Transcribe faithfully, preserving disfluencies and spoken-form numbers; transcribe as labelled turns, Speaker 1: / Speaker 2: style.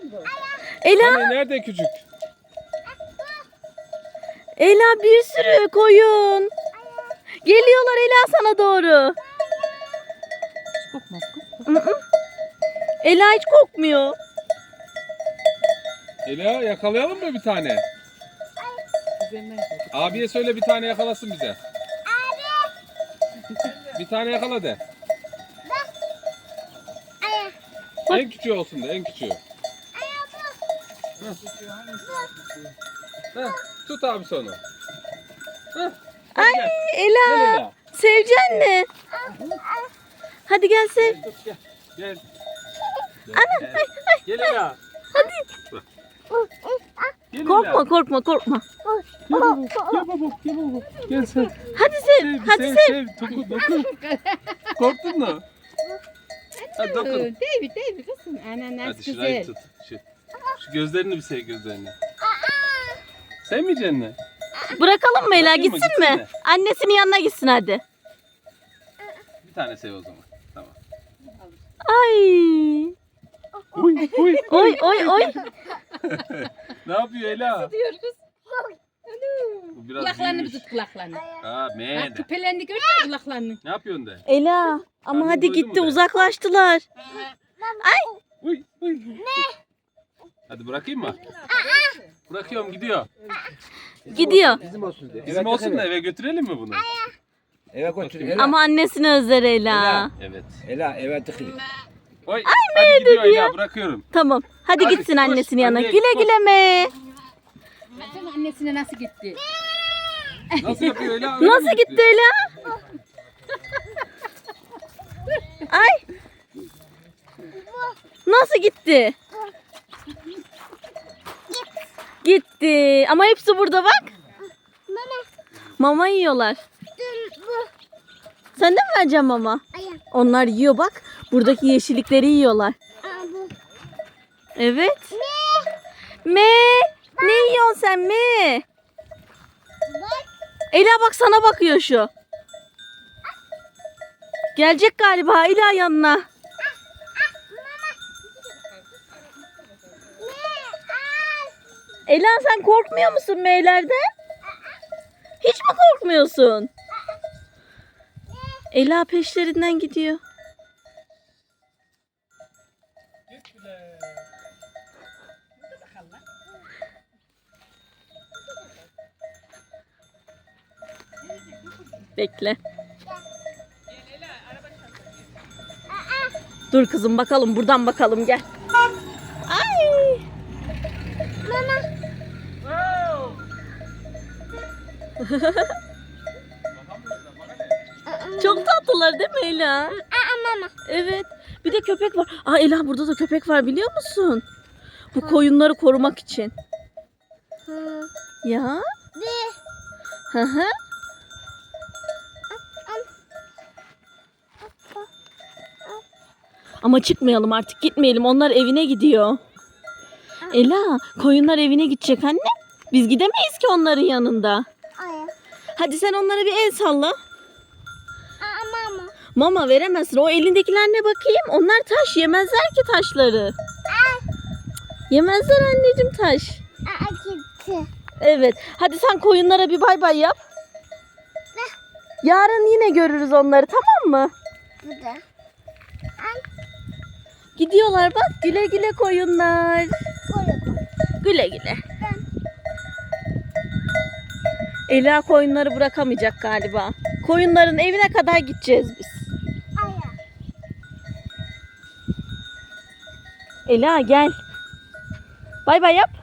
Speaker 1: Ela,
Speaker 2: Hani nerede küçük?
Speaker 1: Ela bir sürü koyun. Geliyorlar Ela sana doğru.
Speaker 3: Kokmaz kız.
Speaker 1: Hı hı. Ela hiç kokmuyor.
Speaker 2: Ela yakalayalım mı bir tane?
Speaker 3: Üzerinden koy.
Speaker 2: Abiye söyle bir tane yakalasın bize. Bir tane yakala de. En küçüğü olsun da en küçüğü. Heh. Heh, tut abi onu. Heh, hadi
Speaker 1: Ay
Speaker 2: gel.
Speaker 1: Ela,
Speaker 2: Gel Ela.
Speaker 1: sevecen mi? Hadi gel sev.
Speaker 2: Gel, tut, gel. Gel. Gel,
Speaker 1: Ana,
Speaker 2: gel. Gel Ela.
Speaker 1: Hadi.
Speaker 2: Gel
Speaker 1: Korkma
Speaker 2: Ela.
Speaker 1: korkma korkma.
Speaker 2: Gel baba. Gel baba. Gel baba. Gel sen.
Speaker 1: Hadi sev.
Speaker 2: Sev,
Speaker 1: Hadi
Speaker 2: sev,
Speaker 1: sev.
Speaker 2: sev. Dokun, dokun. Korktun mu? Hadi dokun.
Speaker 3: Değil mi? Değil mi kızım? Ana nasıl
Speaker 2: Hadi şurayı
Speaker 3: güzel.
Speaker 2: tut. Şu, şu gözlerini bir sev gözlerini. Sevmeyeceksin mi?
Speaker 1: Bırakalım mı Ela,
Speaker 2: Bırakayım mı?
Speaker 1: gitsin
Speaker 2: Gitsin
Speaker 1: mi?
Speaker 2: mi?
Speaker 1: Annesinin yanına gitsin hadi.
Speaker 2: Bir tane sev o zaman. Tamam.
Speaker 1: Ay.
Speaker 2: Uy, uy.
Speaker 1: Oy oy oy.
Speaker 2: Ne yapıyor Ela?
Speaker 3: Diyor kız.
Speaker 2: Bu biraz
Speaker 3: Kulaklarını bir
Speaker 2: büyümüş.
Speaker 3: tut kulaklarını.
Speaker 2: Ha, me
Speaker 3: Bak
Speaker 2: de.
Speaker 3: küpelerini gördün mü kulaklarını?
Speaker 2: Ne yapıyorsun de?
Speaker 1: Ela ama
Speaker 2: Karnın
Speaker 1: hadi
Speaker 2: doydu mu
Speaker 1: gitti
Speaker 2: be?
Speaker 1: uzaklaştılar.
Speaker 2: Uy, uy. Hadi bırakayım mı? Bırakıyorum gidiyor.
Speaker 1: Gidiyor.
Speaker 4: Bizim olsun diye.
Speaker 2: Bizim olsun da eve götürelim mi bunu?
Speaker 4: Eve götür. Ela.
Speaker 1: Ama annesini özler Ela.
Speaker 4: Ela.
Speaker 2: Evet.
Speaker 4: Ela eve tıkılır.
Speaker 2: Oy, hadi gidiyor
Speaker 1: dedi ya?
Speaker 2: Ela bırakıyorum.
Speaker 1: Tamam. Hadi
Speaker 2: Hadi,
Speaker 1: gitsin
Speaker 2: koş,
Speaker 1: annesinin yanına.
Speaker 2: anneye
Speaker 1: Güle
Speaker 2: koş.
Speaker 1: güle me.
Speaker 3: Baksana annesine nasıl gitti.
Speaker 2: Nasıl yapıyor Ela? Öyle mi
Speaker 1: Nasıl gitti Ela? Ay. Nasıl gitti? Gitti. Ama hepsi burada bak. Mama yiyorlar. Sen de mi vereceksin mama? Onlar yiyor bak. Buradaki yeşillikleri yiyorlar. Evet. Me. Ne yiyorsun sen me? Ela bak sana bakıyor şu. Gelecek galiba Ela yanına. Ela sen korkmuyor musun meylerden? Hiç mi korkmuyorsun? Ela peşlerinden gidiyor. Bekle. Dur kızım bakalım buradan bakalım gel. Ay. Çok tatlılar değil mi Ela? Evet. Bir de köpek var. Aa Ela burada da köpek var biliyor musun? Bu koyunları korumak için. Ya? Hı hı. Ama çıkmayalım artık gitmeyelim. Onlar evine gidiyor. Ela koyunlar evine gidecek anne. Biz gidemeyiz ki onların yanında. Hadi sen onlara bir el salla. Mama veremezsin. O elindekiler ne bakayım? Onlar taş. Yemezler ki taşları. Yemezler anneciğim taş. Evet. Hadi sen koyunlara bir bay bay yap. Yarın yine görürüz onları tamam mı? Gidiyorlar bak. Güle güle koyunlar. Güle güle. Ela koyunları bırakamayacak galiba. Koyunların evine kadar gideceğiz biz. Ela gel. Bay bay yap.